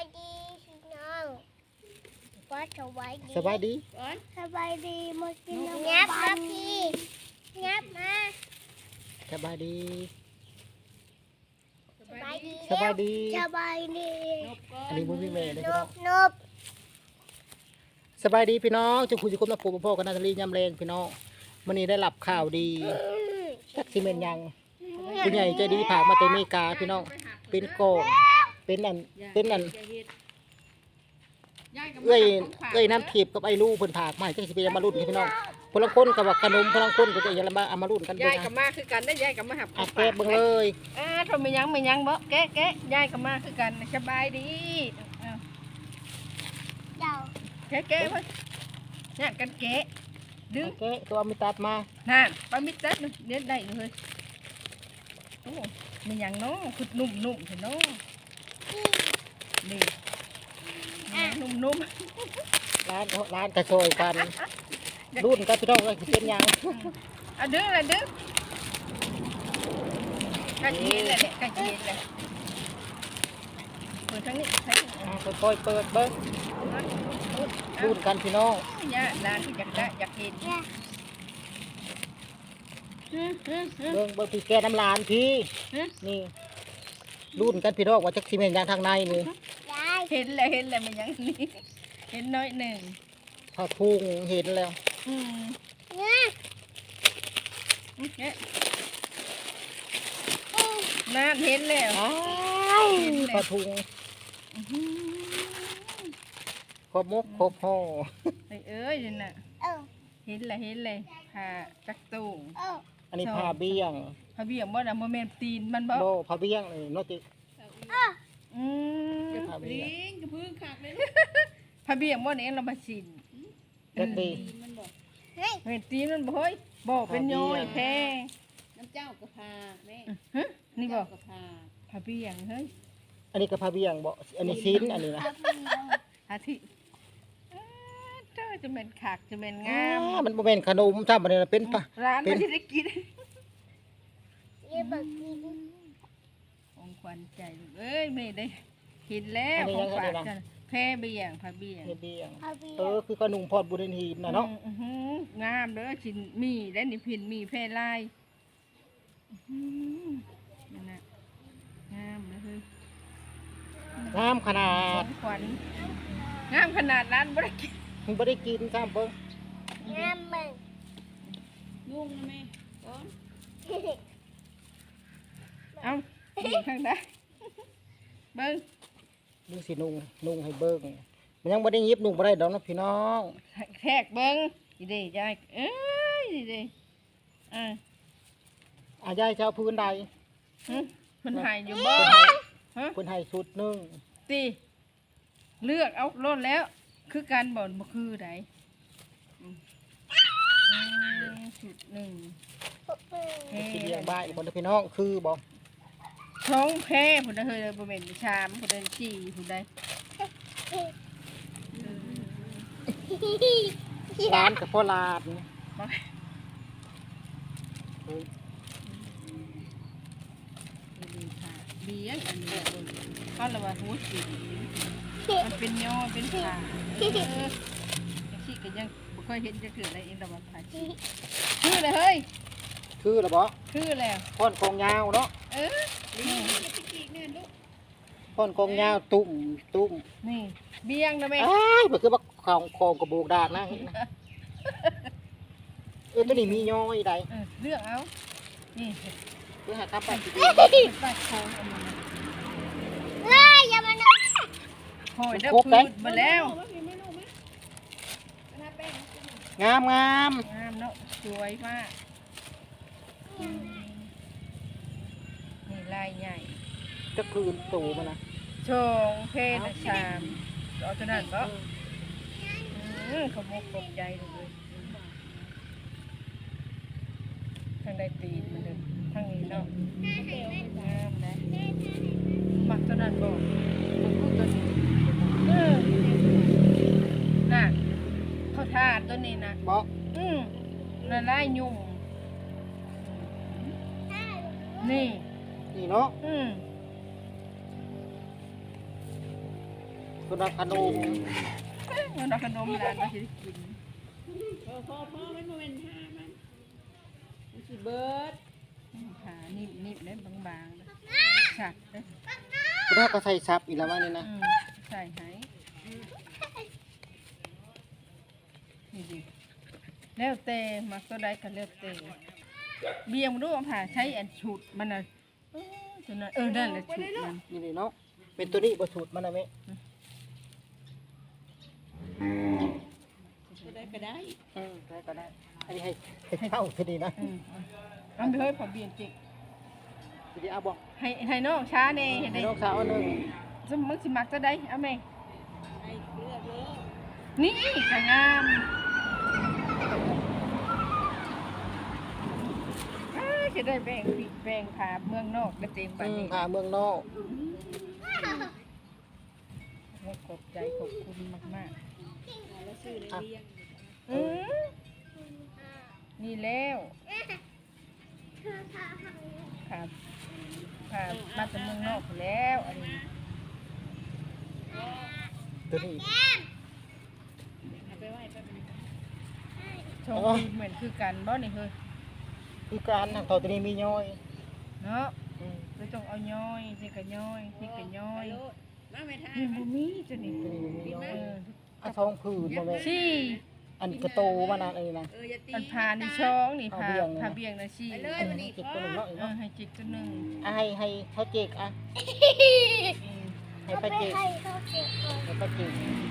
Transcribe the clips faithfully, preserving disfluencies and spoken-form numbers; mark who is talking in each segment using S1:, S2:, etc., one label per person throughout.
S1: ดีพี่น้องว่าสบายดี
S2: สบายดี
S1: สบายดีมากินน้ำงับมาพี่งับมา
S2: สบายดี
S1: สบายดี
S2: สบายดี
S1: สบายดี
S2: อันนี้บุญพี่เมย์เลย
S1: น
S2: พี่น้อง
S1: บนบ
S2: สบายดีพี่น้องจุกุจุกุมนักปูพ่อกับนาตาลียำแรงพี่น้องวันนี้ได้รับข่าวดีจักซีเมนยังผู้ใหญ่ใจดีผากมาเตอเมกาพี่น้องเป็นโกงเป็นอันเป็นอันเอ้ยเอ้ยน้ำทิพย์กับไอ้ลูกเพิ่นผากมาให้จักสิเป็นมารุ่นพี่น้องพลังคนกับว่าขนมพลังคนก็จะยังมาเอามารุ่นกัน
S3: ยายกับมาคือกันได้ยายกับมาหับ
S2: อัดแก้เบิ่งเลย
S3: อ่าทำไมยังไม่ยังบ่แกะแกะยายกับมาคือกันสบายดีเอา
S1: เจ้า
S3: แกะแกะเพิ่นเนี่ยกันแกะดึง
S2: แก้ตัวมีตัดมา
S3: นั่นปลามิตรเด็ดเด็ดได้เลยโอ้ไม่ยังเนาะคือนุ่มนุ่มเห็นเนาะนี่นุ่มนุ่ม
S2: ร้านร้านกระโชยกันรุ่นกันพี่น้องก็สิเป็นยัง
S3: อ่ะดึงเลยดึงกระเทียมเลยเนี่ยกระเทียมเลยเปิดทั้งนี้ทั้งนี้
S2: อ่าค่อยๆเปิดเบิ้งรุ่นกันพี่น้อง
S3: เนี่ยร้านที่อยากได้อยากเห็น
S1: เนี่ย
S2: เบิ้งเบิ้งพี่แกน้ำลานพี่นี่รุ่นกันพี่น้องว่าจักซีเมนยังทางในนี่
S1: ยาย
S3: เห็นเลยเห็นเลยมันยังนี่เห็นน้อยหนึ่ง
S2: พอพุงเห็นแล้ว
S3: อืม
S1: เนี่ย
S3: เนี่ยน่าเห็นแล้ว
S2: อ้ายพอพุงครบมุกครบห่อ
S3: ไอ้เอ้ยนี่น่ะ
S1: เออ
S3: เห็นเลยเห็นเลยผ่าจักตูง
S1: เออ
S2: อันนี้ผ้าเบี้ยง
S3: พระเบียงบ่น่ะโมเมนตีนมันบ่
S2: โบผ้าเบี้ยงเลยโนติ
S1: เออ
S3: อืม
S2: ผ้าเบี้ยง
S3: พระเบียงบ่เนี่ยเรามาสิน
S2: เด็ดดี
S1: เฮ้ย
S3: เห็นตีนมันบ่เฮ้ยบ่เป็นโยยแพ้
S4: น้ำเจ้ากระพาแม่
S3: ฮะนี่บ่
S4: เจ้ากระพา
S3: พระเบียงเฮ้ย
S2: อันนี้ก็ผ้าเบี้ยงบ่อันนี้ชิ้นอันนี้นะ
S3: อาทิอ้าเจ้าจะเป็นขากจะเป็นงาม
S2: อ้ามันโมเมนขนมซ้ำอันนี้นะเป็นปะ
S3: ร้าน
S2: เป็
S3: มัน นที่ได้กิน
S1: ยี่บักกิน
S3: ของขวัญใจลูกเอ้ยไม่ได้กินแล้วของฝากกันแพ้เบียงพระเบียง
S2: เบี้ยง
S1: เอาเบีย
S2: เออ
S1: ร์
S2: คือขนมพอดบุญหีบนะเนาะ
S3: อื้อหืองามเด้อชินมีและนี่พินมีแพร่ลายอื้อหือนั่นน่ะงามเลยเฮ้ย
S2: งามขนา
S3: ขอ
S2: ด
S3: งขวัญงามขนาดนั้นบ่ได้กิน
S2: มันไม่ได้กินซ้ำเบิ้ง
S1: งามมึง
S4: นุ่งนะแม่ก้อน
S3: เอ้าดีข้างใดเบิ้ง
S2: ดูสินุ่งนุ่งให้เบิ้งมันยังไม่ได้ยิบนุ่งไม่ได้ดอกนะพี่น้อง
S3: แทกเบิ้งดีเด้ยายเอ้ยดีเด้อ่า
S2: อายายเจ้าพื้นใด
S3: หึมันหายอยู่บ่ฮะ
S2: พื้นให้ชุดหนึง
S3: ตีเลือกเอารถแล้ว คือการบ่นบ่คือไดอืมอืมจุดหนึ่งแพ
S2: สิเลี้ยง
S3: ร่
S2: บ้านคนเด้อพี่น้องคือบ่
S3: ท้องแพ้ผู้ใดเฮยบ่แม่นชามผู้ใดจี้ผู้ใด
S2: ร้านกับพ่อลาด
S3: บ่เบี้ยงอันนี้เขาละว่าหูสีมันเป็นย่อเป็นผ่าเออจังซี่ก็ยังบ่ค่อยเห็นจะเกิดอะไรเองดอกว่าผ่าชีคือเลยเฮ้ย
S2: คือละบ่
S3: คือแล้ว
S2: พ่อนกองยาวเนาะ
S3: เออนี่
S2: พ่อนกองยาวตุ่มตุ่ม
S3: นี่เบี้ยงนะแม่
S2: อ้ายมันคือว่าของของกระโบกดากนะเห็นนะเออตัวนี้มีย้อยใด
S3: เออเลือกเอานี่
S2: เพื่อหาคำไปสิ
S3: เป็นปลาโคงอันนี้นะ
S1: เฮ้ยอย่ามาหน
S3: โหยเด้อพืชมาแล้ว
S2: งามงาม
S3: งามเนาะสวยมากนี่ลายใหญ่
S2: จะคืนตูมันนะ
S3: ชงเพศนะชามเอาตัวนั้นก็อืมขมกขมใจเลยทางใดตีนมันเลยทางนี้เนาะงามนะมักตัวนั้นบอกมันพูดตัวนี้เออน่ะเขาทาตัวนี้นะ
S2: บอก
S3: อืมละลายยุ่งนี่
S2: นี่เนาะ
S3: อืม
S2: คนรับขนม
S3: เงินเอาขนมร้านมาสิกิน
S4: พอพอพอมันบ่แม่นห้ามันมันสิเบิด
S3: ขานิ่มๆเด้บางๆเด้ชัดเด้
S2: คนรับก็ใส่ซับอีกแล้วว่านี่นะ
S3: อืมใส่ให้นี่ดิแล้วแต่มักตัวใดก็แล้วแต่เบียงบ่รู้ว่าผ่าใช้อันฉุดมันน่ะเออตัวนั้นเออนั่นแหละฉุดมัน
S2: นี่นี่เนาะเป็นตัวนี้บ่สูตรมันนะแม่
S4: ก็ได้ก็ได้
S2: อืมได้ก็ได้อันนี้ให้ให้เข้าทีนี้นะ
S3: อืมเอาไปเฮ้ยพอเบียงจริง
S2: ทีนี้เอาบ่
S3: ให้ให้น้องช้าแน่เห็น
S2: ให้
S3: ได้
S2: น้องสาวอันหนึง
S3: สมมึงสิมักตัวใดเอาแม่
S4: ให้เลือกเลย
S3: นี่ก็งามเอ้ยจะได้แบ่งปีกแบ่งขาเมืองนอกได้เต็มบัด
S2: อืม
S3: นี้
S2: พาเมืองนอก
S3: ขอบใจขอบคุณมาก
S4: แล้วซื้อได้เลี้ยง
S3: ๆอือนี่แล้วครับครับมาจากเมืองนอกแล้วอันนี้
S2: ตัวนี้
S4: เอาไปไว้แป๊บนึง
S3: ชมดีเหมือนคือกันบ่นี่เฮ้ย
S2: คือการทางตัวนี้มีย้อย
S3: เนาะ
S2: อืม
S3: เราต้องเอาย้อยที่ก็ย้อยที่ก็ย้อย
S4: โลดมาไม่ทาน
S3: นี่บ่มีจ้ะนี่
S2: ตัวนี้มีย้อ
S3: เอย อ
S2: เอาท้องผืนบ่แม่
S3: ชี่
S2: อันกระโตมานะอันนี้นะ
S4: เอออย่าตี
S3: อันพานี่ช่องนี่
S2: เอา
S3: พา
S2: เบี่ยงเลยนะ
S3: พาเบียงนะชี่
S4: ไปเลยวันนี้
S2: เจ็บตัวหนึ่งเนาะอีก
S3: เออ
S2: เนาะ
S3: ให้จิกตัวหนึง
S2: อ่ะให้ให้เขาเจกอ่ะ
S3: อืม
S2: ให้
S1: เอา
S2: ป้า
S1: ไป
S2: เจก
S1: ให้เขาเก็บก่อน
S2: ให้ป้าเจก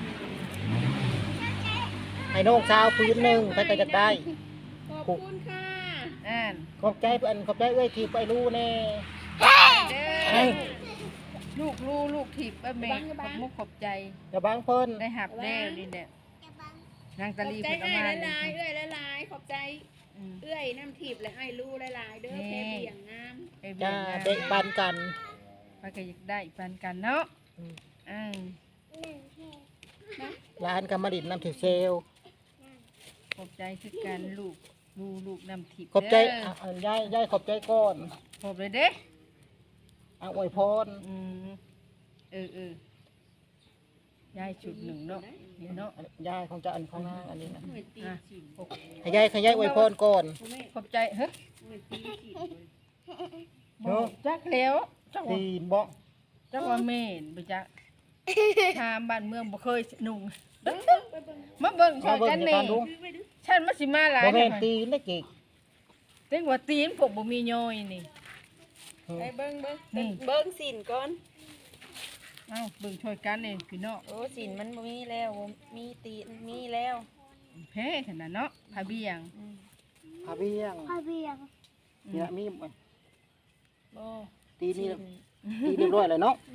S2: ให้น้องสาวพื้นหนึ่งไปก็จะได้
S4: ขอบคุณค่ะ
S3: อ่าน
S2: ขอบใจเพื่อนขอบใจเอ้ยทีไปรู้แน่
S3: เด้
S2: เอ้ย
S3: อลูกลูลูกถีบเอ้ยแม่ขอบมุกขอบใจ
S2: อย่าบังเพิ่น
S3: ได้หับแล้วนี่แหละ
S1: จะบัง
S3: นาง
S4: ข
S3: ตะ
S4: อบ
S3: ลี
S4: ใจ
S3: เพิ่นเอา
S4: ไอ้
S3: มา
S4: ละ
S3: นี่
S4: ลายเอ้ยละลายขอบใจ
S3: อืม
S4: เอ้ยน้ำทิพย์และไอ้รู้ละลายเด้อแค่เบี่ยงงาม
S3: ไอ้เบีย
S2: จ้าง
S3: นะ
S2: เด็กปันกัน
S3: ไปก็อยากได้ปานกันเนาะ
S2: อืม
S3: อืม
S1: หนึ่งแค่
S2: ร้านกำมะดินน้ำถิวเซล
S3: ขอบใจคือกันลูกลูลูกนำทิพย์
S2: ขอบใจ
S3: เด้
S2: อ่ะอ่ะยายยายขอบใจก่อน
S3: ขอบเลยเด้
S2: อ่ะอวยพร
S3: อืมเออเออยายชุดหนึ่งเนาะนี่เนาะ
S2: ยายของเจะอันของนางอันนี้นะ
S4: เหมือนตี
S3: อ่ะ
S4: ฉิน
S2: ให้ยายให้ยายอวยพรก่อน
S4: พ่อแม่
S3: ขอบใจเฮ้ย
S4: เหมือนตีฉิน
S2: เนาะ
S3: จักแล้วจักว่า
S2: ตีนบ่
S3: จักว่าเมนไปจักถามบ้านเมืองบ่เคยนุ่งมาเบิ่งช่
S2: มา
S3: วย
S2: เบิ่ง
S3: กัน
S2: ใน
S3: นี่
S2: การดู
S3: ฉันมาสิมาหลาย
S2: บ่แม่น
S3: เด้อ
S2: ตีนนะเก่ง
S3: ถึงว่าตีนผมบ่มีย่อยนี่
S4: ไปเบิ้งเบิ้ง
S3: นี่
S4: เบิ้งสินก่อน
S3: เอ้าเบิ่งช่วยกันนี่พี่น้อง
S4: โอ้สินมันบ่มีแล้วบ่มีตีนมีแล้ว
S3: แพ้ขนาดเนาะพาเบียง
S2: พาเบี้ยง
S1: พ่อเบียง
S2: เนี่ยมี
S4: บ่
S2: ตีนนี่ตีนเรียบร้อยเลยเนาะ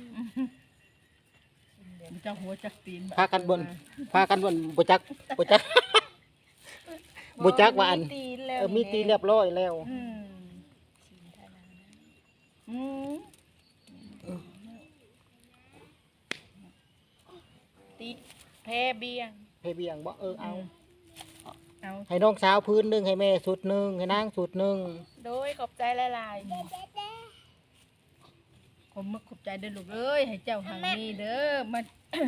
S3: มันจะหัวจักตีน
S2: พากันบนพากันบนบ่จักบ่จักบ่จักว่าอัน
S4: มีตีนแล้ว
S2: เออมีตีนเรียบร้อยแล้ว
S3: อืมอืม
S4: ตีแพ้เบี้ยง
S2: ให้เบี้ยงบ่เออเอา
S3: เอา
S2: ให้น้องสาวพื้นหนึงให้แม่สุดหนึงให้นางสุดหนึง
S4: โดยขอบใจหลาย
S3: ขอบมึกขอบใจเด้อลูกเอ้ยให้เจ้าหางนี้เด้อมัน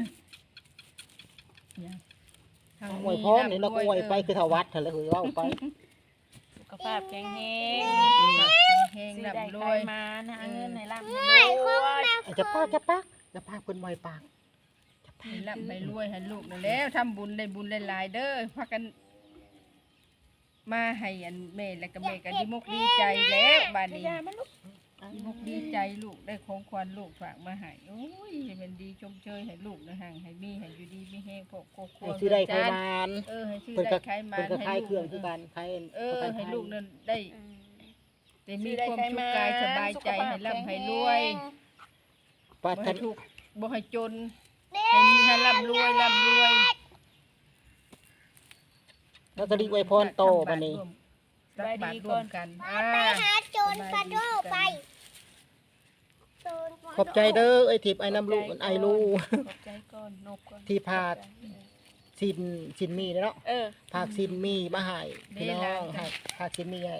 S3: เนี่ยหาง
S2: อวยพรนี่เราก็อวยไปคือถวัดเถอะแล้วคือเว้าไป
S4: ๆสุขภาพแข็งแรง
S3: แห้ง
S4: ซื้อ
S3: ๆ
S4: ได้
S3: ร่ำร
S4: ใคร
S3: วย
S4: มานะเงินให้ร่ำให้รวย
S2: อาจจะปากจะปากจะปากเพิ่นไว้ปาก
S3: ให้ร่ำให้รวยให้ลูกนั่นแล้วทำบุญได้บุญหลายๆเด้อพากัน มาให้อันแม่และก็แม่ก็ดีมกดีใจแล้วบัดนี้
S4: ยามันลูก
S3: ดีมกดีใจลูกได้ของขวัญลูกฝากมาให้โอ้ยให้มันดีชมเชยให้ลูกนะห่างให้มีให้อยู่ดีมีแห้งพวกครอบครัว
S2: ให้ซื้อได้ไข
S3: เงินจาน
S2: มาน
S3: เออให้ซื้อ
S2: เพิ่น
S3: ได้
S2: ก็
S3: ไขมั
S2: เพิ่น
S3: น
S2: ก็
S3: ให้
S2: ขาย
S3: ลูก
S2: เครื่องคือกันขาย
S3: เออให้ลูกนั่นได้
S4: อืม
S3: แต่มีความสุขกายสบายใจให้ร่ำให้รวย
S2: ปา
S3: บ่
S2: ทั
S3: ให้
S2: น
S3: ทุกข์บ่ให้จนให้มีให้ร่ำรวยร่ำรวย
S2: แล้วก็รีอวยพรโตบัดนี้
S3: รับบาตรร่วมกันอ่า
S1: ไปหาโจรกระโดดไปโจรกระโดด
S2: ขอบใจเด้อไอ้ทิพย์ไอ้น้ำลูกไอ้ลูก
S4: ขอบใจก่อนนบก่อน
S2: ที่พาด สินสินมีเนาะ
S4: เออ
S2: พากสินมีมาให้พี่น้องให้พากสินมีให้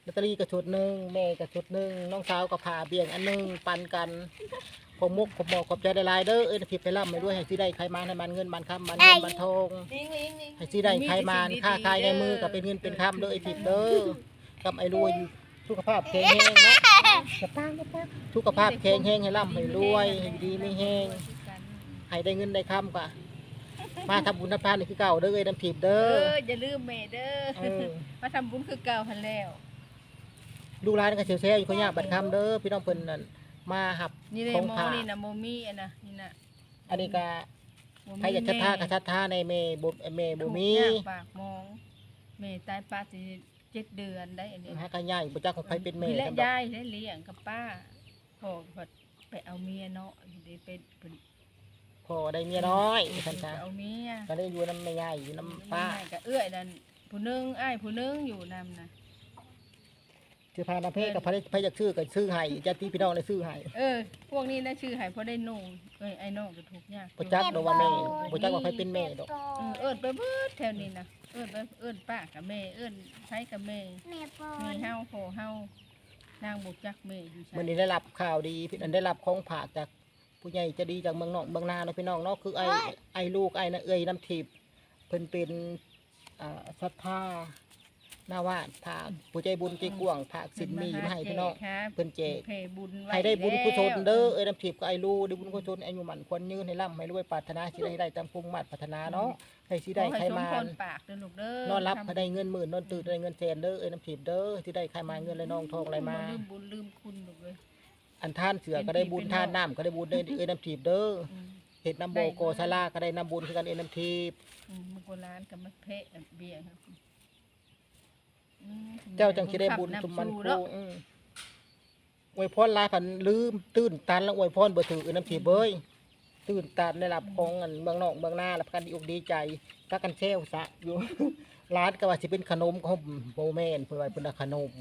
S2: ลอตเตอรี่ก็ชุดหนึงแม่ก็ชุดหนึงน้องสาวก็พาเบี่ยงอันหนึงปันกันผมมุกผมบอกขอบใจหลายๆเด้อเอ้ยผิดไปร่ำไปด้วยให้สิได้ใครมาให้มันเงินมันคำมันเงินมันทอง
S3: ลิงลิงลิง
S2: ให้สิได้ใครมาค่าขายในมือก็เป็นเงินเป็นคำเด้อไอ้ผิดเด้อกับไอ้รวยอยู่สุขภาพแข็งแรงเนาะจะตั้งจะตั้งสุขภาพแข็งแรงให้ร่ำให้รวยให้ดีไม่แห้งให้ได้เงินได้คำกะมาทำบุญทำทานนี่คือเก่าเด้อเอ้ยน้ำผิด
S3: เอ
S2: เด้อ
S3: ออย่าลืมแม่เด้อ
S2: เออ
S3: มาทำบุญคือเก่าหันแล้ว
S2: ลูกหลานก็เสียวแซ่อยู่เขายากบัดคำเด้อพี่น้องเพิ่นนั่นมาหับ
S3: นี่เลย
S2: ของ
S3: โม
S2: ผ่า
S3: นี่นะโมมี่อันนะนี่นะ
S2: อันนี้ก็
S3: บ่มี
S2: ใครอยากชัดท่าก็ชัดท่าในเมบุเมบุมี
S3: ถูกยากปากมองแม่ตายป้าสิเจ็ดเดือนได้อันนี้
S2: ฮะก็ใหญ่บ่จักของใครเป็นเม
S3: พี่และ
S2: กันดอก
S3: ยายและเลี้ยงกับป้าพ่อก็ไปเอาเมียเนาะเดี๋ยวไปไป
S2: พอได้เมียน้อยท่าน
S3: ไป
S2: จ้า
S3: เอาเมีย
S2: ก็ได้อยู่น้ำแม่ใหญ่อยู่น้ำป้า
S3: ก็เอื้อยนั่นผู้หนึงอ้ายผู้หนึงอยู่นำนะ
S2: ชื่อพานาเพศกับพระพระอยากซื้อก็ซื้อให้ญาติพี่น้องได้ซื้อให้
S3: เออ พวกนี้นะชื่อใหายเพราะได้นุ่งเอ้ยไอ้น้องก็ถูกยาก
S2: บ่จักดอกว่าแม่บ่จักว่าใครเป็นแม่ดอก
S3: เออเอิ้นไปเบิดแถวนี้นะเอิ้นไปเอิ้นป้ากับแม่เอิ้นใช้กับแม่
S1: แม่ปอ
S3: มี
S1: น
S3: เฮาโหเฮานางบุกจักแม่อยู่ใช่
S2: มื้อนี้ได้รับข่าวดีพี่อันได้รับของฝากจากผู้ใหญ่ใจะดีจากเมืองนอกเมืองนาเนาะพี่น้องเนาะคือไอ้ไอ้ลูกไอ้น่ะเอ้ยน้ำทิพย์เพิ่นเป็นอ่าศรัทธาหน้าวาดผากผู้ใจบุญใจกว้างผากสินมีมาให้พี่น้องเพิ่นแจก
S3: เพบุญว้
S2: ให้ได้บุญกุศล
S3: แล้ว
S2: เด้อเอ้ยน้ำทิพย์ก็ไอ้ลูกได้บุญกุศลอายุหมันควรยืนให้ร่ำให้รวยปรารถนาสิได้ได้ตามภูมิมาตรปรารถนาเนาะให้สิได้
S3: ขอ
S2: ใคร
S3: ส
S2: มา
S3: พรปากเด้อลูกเด้อน
S2: อนรับให้ได้เงินหมื่นนอนตื่นได้เงินแสนเด้อเอ้ยน้ำทิพย์เด้อที่ได้ใครมาเงินไหลนองทองไหลมา
S3: ลืมบุญลืมคุณลูกเอ้ย
S2: อันท่านเสือก็ได้บุญท่านน้ำก็ได้บุญได้เอ้ยน้ำทิพย์เด้อ
S3: อืม
S2: เห็ดน้ำโบโกซาลาก็ได้น้ำบุญคือกันเอ้ยน้ำทิพย์
S3: อืมมันโบราณกับมันเพะเบี้ยครับอืม
S2: เจ้าจังสิได้บุญ
S3: ขั
S2: สุมมัน
S3: ำ
S2: คู
S3: เนาะ
S2: อืออวยพรหลายพันลืมตื่นตันแล้วอวยพรบ่ถือเอ้ยน้ำทิพย์เบ้ยตื่นตันได้รับของอันเมืองนอกเมืองนารับกันดีอกดีใจก็กันเซลซะอยู่ ร้านก็ว่าสิเป็นขนมของโบแมนเพื่อไว้เป็นขนม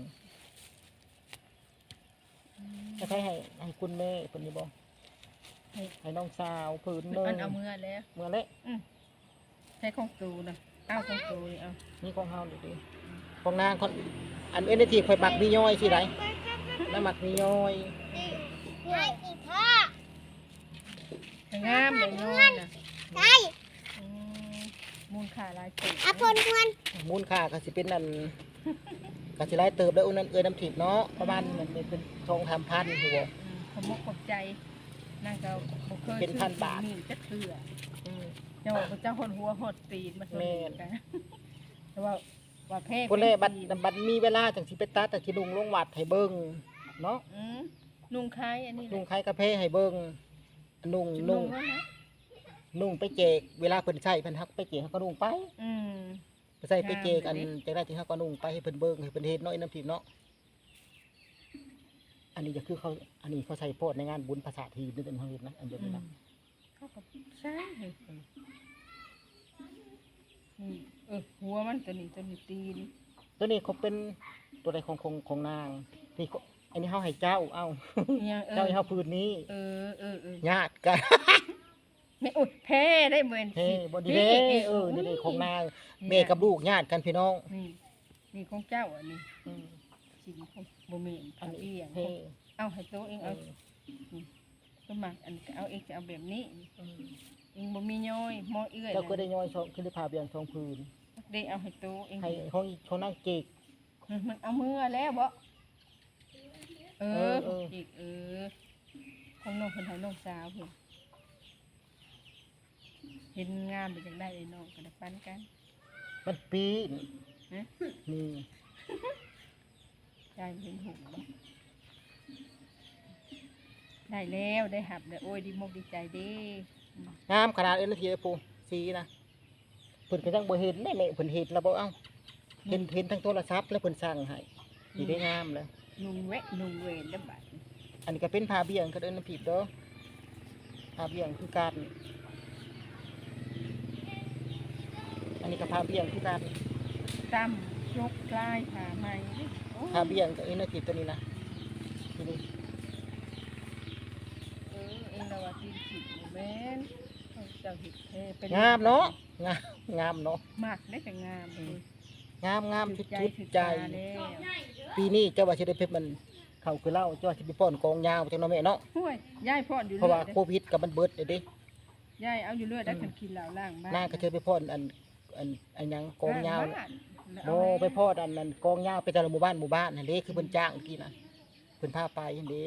S2: จะให้ให้ให้คุณแม่คนนี้บ่ให้ให้น้องสาวผืนหนึง
S3: อันเอามือแล้ว
S2: เมื่อเละ
S3: ใช้ของตูนะเอาของตูนี่เอา
S2: นี่ของเฮาดิของนางคนอันเอ็นทีข่อยมักมีย้อยสิไรแล้วมักมีย้อย
S1: ง่ายอีกพ่อ
S3: ให้งามเลยน้อยนะ
S1: ใช่
S3: อืมมูลค่าหลายจุด
S1: อาพลพล
S2: มูลค่าก็สิเป็นนั่นก็สิไล่เติบได้อุ้นนั่นเอ้ยน้ำถิบเนาะประมาณมันเป็นทองทำพันอยู่บ่
S3: ขมกขอบใจนางก็บ่เคย
S2: เป็นพันบาท
S3: มีจักเทื่อ
S2: อืม
S3: เจ้าว่าเจ้าคนหัวหดตีนมาตัวนี้
S2: แม่น
S3: กันแต่ว่าว่าแพ้
S2: คนแรกบัดบัดมีเวลาจังสิไปตัดแต่สิลุงลงวัดให้เบิ่งเนาะ
S3: อืมนุ่งคล้ายอันนี้แห
S2: ลุ
S3: ละ
S2: งใครกระเพาะให้เบิ่งนุ่ง
S3: จุด
S2: นุ่ง
S3: ว่านะ
S2: นุ่งไปแจกเวลาเพิ่นใช้เพิ่นฮักไปแจกเขาก็นุ่งไป
S3: อืม
S2: ไปใส่ไปแจกอัน
S3: งามเลย
S2: จังได้ที่เขาก็นุ่งไปให้เพิ่นเบิ่งให้เพิ่นเฮ็ดเนาะไอ้น้ำทิพย์เนาะอันนี้ก็คือเขาอันนี้เขาใช้โพดในงานบุญภาษาทีนี่เป็นเฮาเฮ็ดนะอันเดียว
S3: อื
S2: นี้
S3: ม
S2: นะ
S3: เขาก็ใช่เฮ้ยอืมเออหัวมันตัวนี้ตัวนี้ตีน
S2: ตัวนี้เขาเป็นตัวใดของของของนางนี่เขาอันนี้เฮาให้เจ้าเอ้า
S3: เนี่ยเอ
S2: เจ้า
S3: อ
S2: ให้เฮาพื้นนี้
S3: เออเออเออ
S2: ญาติกัน
S3: ไม่อุดแพ้ได้เหมือน
S2: เฮ้บ่ดีเด้เออนี่เด้ของนางแม่กับลูกญาติกันพี่น้อง
S3: นี่นี่ของเจ้าอันนี้
S2: อืม
S3: สิ่งของบ่มี
S2: อั
S3: อั
S2: น
S3: น
S2: นี้
S3: เอียง
S2: เฮ้
S3: เอาให้ตัวเอง
S2: เอ
S3: เอา
S2: อ
S3: สมัครอันเอาเองจะเอาแบบนี้
S2: อืม
S3: เองบ่มีย้อยหมอเอื้อย
S2: เจ้าก็ได้ย่อยชองคือได้พาเบียงชองพื้น
S3: ได้เอาให้ตัวเอง
S2: ให้ห้องเขานั่งเกก
S3: มันเอามือแล้วบ่เออ
S2: เออเออ
S3: อีกเออของน้องเพิ่นให้น้องสาวเพิ่นเห็นงามไปจังได้ไอ้น้องก็ได้ปันกัน
S2: มันปีน
S3: ฮะ
S2: นี่
S3: ยายเห็นหูบ่ได้แล้วได้หับได้โอ้ยดีมกดีใจเด้
S2: งามขนาดเอ็นทีปูสีนะเพิ่นก็ยังบ่เห็นแม่แม่เพิ่นเห็นแล้วบ่เอ้าเห็นเห็นทั้งโทรศัพท์แล้วเพิ่นสั่งให้นี่ได้งามแล้ว
S3: นุ่งแวะนุ่งเวนได้บัด
S2: อันนี้ก็เป็นผ้าเบี่ยงก็เดินน้ำผิดเด้อผ้าเบี่ยงคือการอันนี้ก็ผ้าเบี่ยงคือการ
S3: ตำยกกลายขาใหม่โอ้
S2: ผ้าเบี่ยงกับเอ็นน้ำผิดตัวนี้นะนี่นี่
S3: เออเอ็นละว่าตีนผิดบ่แม่นเอาเจ้าเห็ดเทเป็น
S2: งามเนาะงามงามเนาะ
S3: มากได้แต่งามเลย
S2: งามงามชุด
S3: ใจ
S2: ชุด
S3: ถึก
S2: ใจ
S3: ตาแล้ว
S2: ปีนี้เจ้าว่าสิได้เพชรมันเข้าคือเล่าเจ้าว่าสิไปป้อนกองยาวจังเนาะแม่เนาะ
S3: ห้วยยายพ่อนอยู่
S2: เพราะ
S3: เรื่
S2: ว่า
S3: อย
S2: โควิดกับมันเบิดเด้เด้
S3: ยายเอาอยู่เรื่อยได้คันกินเหล้าล่างบ้าน
S2: นางก็เธอไปป้อนอันอันอันหยังกองยาว
S3: บ้น
S2: โมไปป้อนอันนั้นกองยาวไปแต่ละหมู่บ้านหมู่บ้านนั่นเด้คือเพิ่นจ้างเมื่อกี้น่ะเพิ่นพาไปนั่นเด้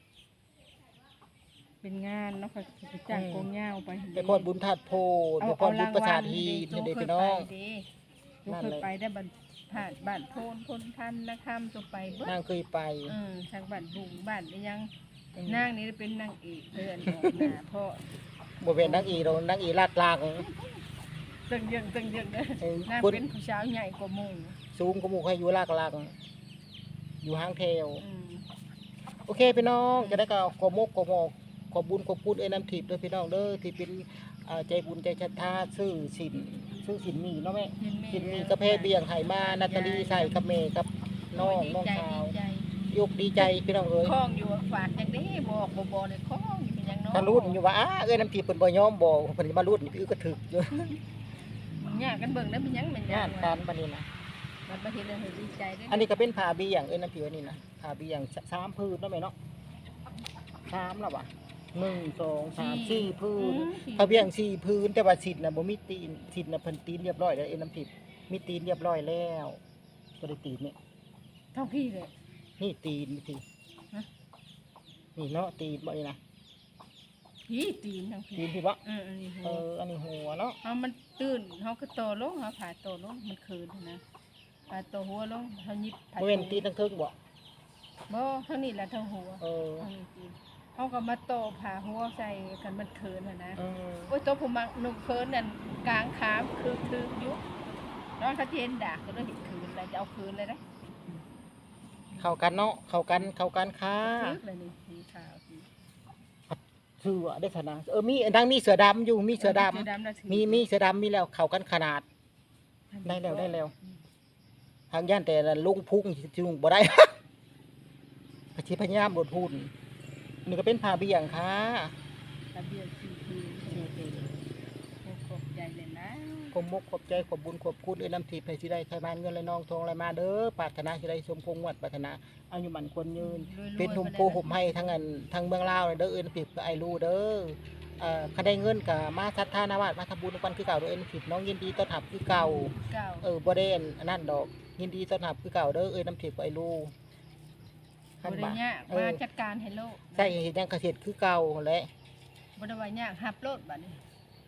S3: เป็นงานเนาะเขาไปจ้างกองยาวไป
S2: ไปป้อนบุญธาตุโพธิ์ไปป้อนบุญประสาทฮีนั่นเด้พี่น้อง
S3: ลูกเคยไปได้บ้านผ่านบ้านโพนพนพันนะครับตัวไปเบิ้
S2: นางเคยไป
S3: เออทางบ้านบุงบ้านนี่ยังนางนี่เป็นนางเอกเพื่อนของหน้าพ่อ
S2: บ่เป็นนางอีดอกนางอีลาดลาง
S3: ตึงยังตึงยังเด้อ
S2: เออน
S3: าง
S2: คน
S3: เป็นผู้สาวใหญ่กว่าหมู่
S2: สูงกว่าหมู่ใครอยู่ลากลางอยู่ห้างแถว
S3: อืม
S2: โอเคพี่น้องจะได้ก็ขอมกขอหมอกขอบุญขอบคุณเอ้ยน้ำทิพย์ด้วยพี่น้องเด้อที่เป็นอ่าใจบุญใจศรัทธาซื้อสินซื้อสินมีเนาะแม่สินมีกระเพาะเบียงไห่มานาตาลีใส่กับเมย์กับน้องน้อง
S3: ดีใจ
S2: สาว
S3: ดีใจ
S2: ยกดีใจพี่น้องเอ้ย
S3: คล้องอยู่ฝากอย่างนี้บอกบ่บ่เลยคล้องอยู่เป็นหยังเนาะ
S2: ถ้ารุ่นอยู่ว่าอ้าเอ้ยน้ำทิพย์เพิ่นบ่ยอมบอกเพิ่นมารุ่นนี่คือก็ถึกอยู่
S3: ยากกันเบิ่งได้เป็นหยังเป็นห
S2: งา
S3: ยัง
S2: นการบัดนี้นะ
S3: มันบ่เห็นเลยดีใจเด้อ
S2: อันนี้ก็เป็นผ้าเบียงเอ้ยน้ำทิพย์อันนี่นะผ้าเบียงสามพื้นเนาะแม่เนาะสามแล้วว่ะหนึ่งสองสามสี่พื้น ผ้าเบี่ยงสี่พื้นแต่ว่าสิทธิ์น่ะบ่มีตีนสิทธิ์น่ะเพิ่นตีนเรียบร้อยแล้วเอ็นน้ำทิพย์มีตีนเรียบร้อยแล้วบ่ได้ตีนนี่
S3: เท่าพี่เลย
S2: นี่ตีนนี่ตี
S3: ฮะ
S2: นี่เนาะตีนบ่นี่นะ
S3: พี่ตีนทั้งพี่
S2: ตีนพี่บ่
S3: เอออันนี้หั
S2: เอ
S3: ว
S2: ออันนี้หัวเนาะ
S3: เฮามันตื่นเฮาก็โตลงเฮาผ่าโตลงมันคืนนะผ่าโตหัวลงเฮายิบผ่า
S2: บ่แม่นตีนทั้งเทิงบ่
S3: บ่ทั้งนี้แหละทั้งหัว
S2: เออ
S3: ทั้งนี้ตีนเฮาก็มาโตผ่าหัวใส่กันมันคืนน่ะนะ
S2: เออ
S3: โอ้ยโตผู้มักนุ่มคืนนั่นกลางขามคือคืออยู่นอนเขาเจนดากก็เลยเห็นคืนแล้วจะเอาคืนเลยนะ
S2: เข้ากันเนาะเข้ากันเข้ากันค่ะ
S3: คืนเลยนี่สีขาวสี
S2: ชื่อว่าได้ขนาดเออมีอันดังมีเสือดำอยู่มีเสือดำ
S3: เสือดำน่ะถือ
S2: มีมีเสือดำมีแล้วเข้ากันขนาด ได้แล้วได้แล้ว ทางย่านแต่ละลุงพุ่งสิลุงบ่ได้ พชิพยายามบดพูนนี่ก็เป็นผ้าเบี่ยงค่ะ
S3: ระเบียงสีคืนโอ้ขอบใจเลยนะ
S2: ขอบมกขอบใจขอบบุญขอบคุณเอ้ยน้ำทิพย์ให้สิได้ไขมานเงินและนองทองไหลมาเด้อปรารถนาสิได้สมพงษ์วัดปรารถนาเอาอยู่หมันควรยืน เป็นทุ่มโพห่มให้ทั้งอันทั้งเมืองลาวเลยเด้อเอ้ยน้ำทิพย์กับไอรูเด้อเอ่อคันได้เงินกับมาทัดทานาวาสมาทำบุญกันคือเก่าเด้อเอ้ยน้ำทิพย์น้องยินดีต้อนรับคือเก่า
S3: เก่า
S2: เออบ่ได้อันนั่นดอกยินดีต้อนรับคือเก่าเด้อเอ้ยน้ำทิพย์กับไอรู
S3: บริญญา
S2: เอ
S3: มา
S2: อ
S3: จัดการให้โลก
S2: ใช่เห็นยังเกษตรคือเก่าแหละ
S3: บริวารยากหับโลดบัดนี้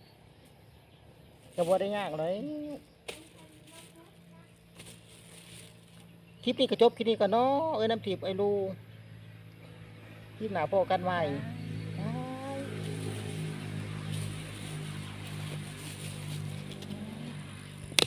S2: จะบ่ได้ยากเลยคลิปนี้ก็จบคลิปนี้ก่อนเนาะเอ้ยน้ำทิพย์ไอรูคลิปหน้าพอกันใหม่
S3: อ่า